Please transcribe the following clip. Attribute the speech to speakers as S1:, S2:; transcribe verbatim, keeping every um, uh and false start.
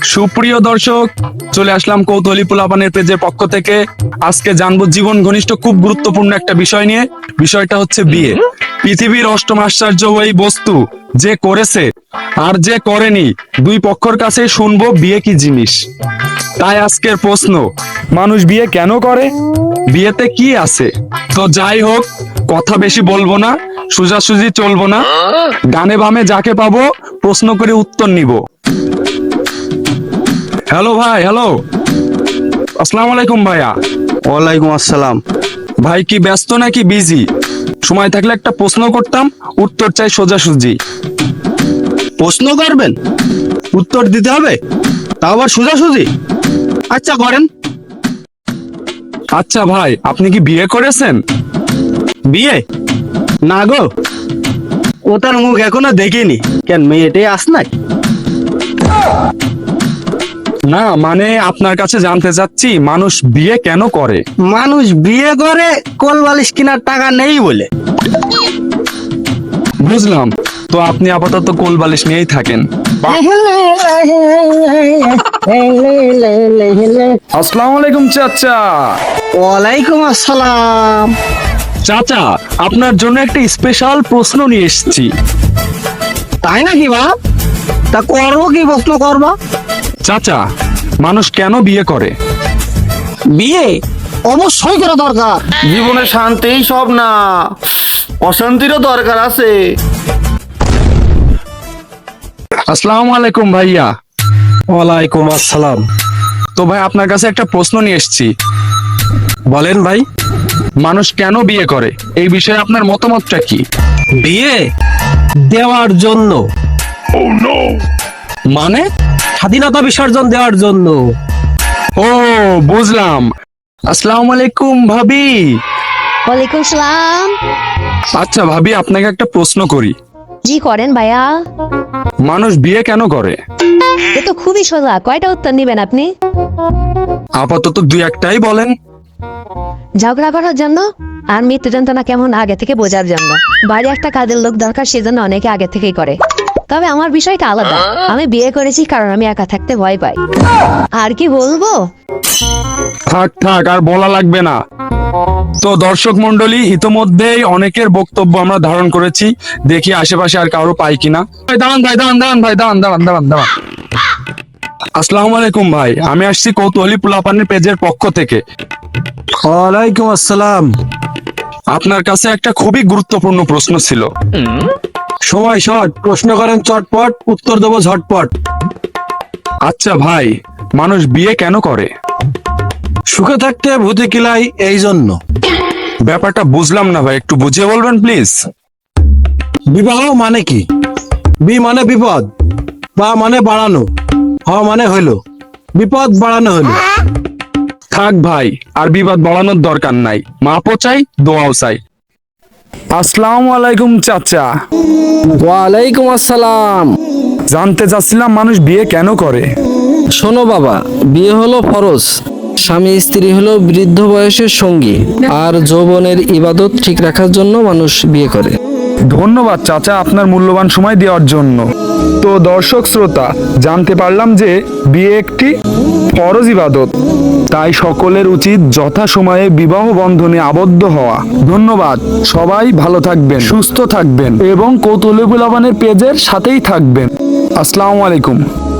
S1: সুপ্রিয় দর্শক, চলে আসলাম কৌতূহলী পোলাপানের পেজের পক্ষ থেকে। আজকে জানবো জীবন ঘনিষ্ঠ খুব গুরুত্বপূর্ণ একটা বিষয় নিয়ে। বিষয়টা হচ্ছে বিয়ে। পৃথিবীর অষ্টম আশ্চর্য ওই বস্তু, যে করেছে আর যে করেনি, দুই পক্ষের কাছে শুনবো বিয়ে কি জিনিস। তাই আজকের প্রশ্ন, মানুষ বিয়ে কেন করে, বিয়েতে কি আছে। তো যাই হোক, কথা বেশি বলবো না, সোজাসুজি চলবো না, ডানে বামে যাকে পাবো প্রশ্ন করে উত্তর নিব। হ্যালো ভাই, হ্যালো, আসসালামু আলাইকুম ভাইয়া।
S2: ওয়ালাইকুম আসসালাম।
S1: ভাই কি ব্যস্ত নাকি বিজি? সময় থাকলে একটা প্রশ্ন করতাম, উত্তর চাই সোজাসুজি।
S2: প্রশ্ন করবেন, উত্তর দিতে হবে, তাও আবার সোজাসুজি? আচ্ছা করেন।
S1: আচ্ছা ভাই, আপনি কি বিয়ে করেছেন?
S2: বিয়ে না গো, ও তার মুখ এখনো দেখিনি। কেন, মেয়েটাই আস নাই?
S1: না মানে আপনার কাছে জানতে চাচ্ছি, মানুষ বিয়ে কেন করে।
S2: মানুষ বিয়ে করে কোল বালিশ কেনার টাকা নেই বলে।
S1: বুঝলাম, তো আপনি আপাতত কোল বালিশ নিয়েই থাকেন। আসসালামু আলাইকুম চাচা।
S2: ওয়ালাইকুম আসসালাম।
S1: চাচা, আপনার জন্য একটা স্পেশাল প্রশ্ন নিয়ে এসেছি।
S2: তাই নাকি বাপ? তা করবো, কি প্রশ্ন করবা?
S1: চাচা, মানুষ কেন বিয়ে করে?
S2: বিয়ে অবশ্যই করা দরকার।
S3: জীবনে শান্তিই সব না, অশান্তিরও দরকার আছে।
S1: আসসালামু আলাইকুম ভাইয়া।
S2: ওয়ালাইকুম আসসালাম।
S1: তো ভাই, আপনার কাছে একটা প্রশ্ন নিয়ে এসেছি।
S2: বলেন ভাই।
S1: মানুষ কেন বিয়ে করে, এই বিষয়ে আপনার মতামতটা কি?
S2: বিয়ে দেওয়ার জন্য।
S1: মানে?
S2: স্বাধীনতা বিসর্জন দেওয়ার জন্য।
S1: ও বুঝলাম। আসসালামু আলাইকুম ভাবি।
S4: ওয়ালাইকুম সালাম।
S1: আচ্ছা ভাবি, আপনাকে একটা প্রশ্ন করি।
S4: জি করেন ভাইয়া।
S1: মানুষ বিয়ে কেন করে?
S4: এ তো খুবই সোজা, কয়টা উত্তর নিবেন আপনি?
S1: আপাতত দুই একটাই বলেন।
S4: ঝগড়া করার জন্য, আর মৃত্যু যন্ত্রণা কেমন আগে থেকে বোঝার জন্য। বাড়ি একটা কাজের লোক দরকার, সেজন্য অনেকে আগে থেকেই করে। তবে আমার বিষয়টা আলাদা, আমি বিয়ে করেছি কারণ আমি একা থাকতে ভয় পাই। আর কি বলবো?
S1: থাক থাক, আর বলা লাগবে না। তো দর্শক মন্ডলী, ইতোমধ্যেই অনেকের বক্তব্য আমরা ধারণ করেছি। দেখি আশেপাশে আর কারো পাই কিনা। ভাই দাঁড়ান, ভাই দাঁড়ান, দাঁড়ান, ভাই দাঁড়ান, দাঁড়ান, দাঁড়ান, দাঁড়ান। আসসালামু আলাইকুম ভাই, আমি আসছি কৌতূহলী পোলাপানের পেজের পক্ষ থেকে।
S2: ওয়ালাইকুম আসসালাম।
S1: আপনার কাছে একটা খুবই গুরুত্বপূর্ণ প্রশ্ন ছিল।
S2: সময় শর্ট, প্রশ্ন করেন চটপট, উত্তর দেবো ঝটপট।
S1: আচ্ছা ভাই, মানুষ বিয়ে কেন করে?
S2: সুখে থাকতে ভূতে কিলাই, এই জন্য।
S1: ব্যাপারটা বুঝলাম না ভাই, একটু বুঝিয়ে বলবেন প্লিজ।
S2: বিবাহ মানে কি? বি মানে বিপদ, বা মানে বাড়ানো, হ মানে হইলো বিপদ বাড়ানো হইলো।
S1: থাক ভাই, আর বিবাদ বাড়ানোর দরকার নাই। মাপও চাই, দোয়াও চাই। আসসালামু আলাইকুম চাচা।
S5: ওয়ালাইকুম আসসালাম।
S1: জানতে চাচ্ছিলাম, মানুষ বিয়ে কেন করে?
S5: শোনো বাবা, বিয়ে হলো ফরজ। স্বামী স্ত্রী হলো বৃদ্ধ বয়সের সঙ্গী, আর যৌবনের ইবাদত ঠিক রাখার জন্য মানুষ বিয়ে করে।
S1: ধন্যবাদ চাচা, আপনার মূল্যবান সময় দেওয়ার জন্য। তো দর্শক শ্রোতা, জানতে পারলাম যে বিয়ে একটি ফরজ ইবাদত, তাই সকলের উচিত যথাসময়ে বিবাহ বন্ধনে আবদ্ধ হওয়া। ধন্যবাদ। সবাই ভালো থাকবেন, সুস্থ থাকবেন এবং কৌতূহলী পোলাপানের পেজের সাথেই থাকবেন। আসসালামু আলাইকুম।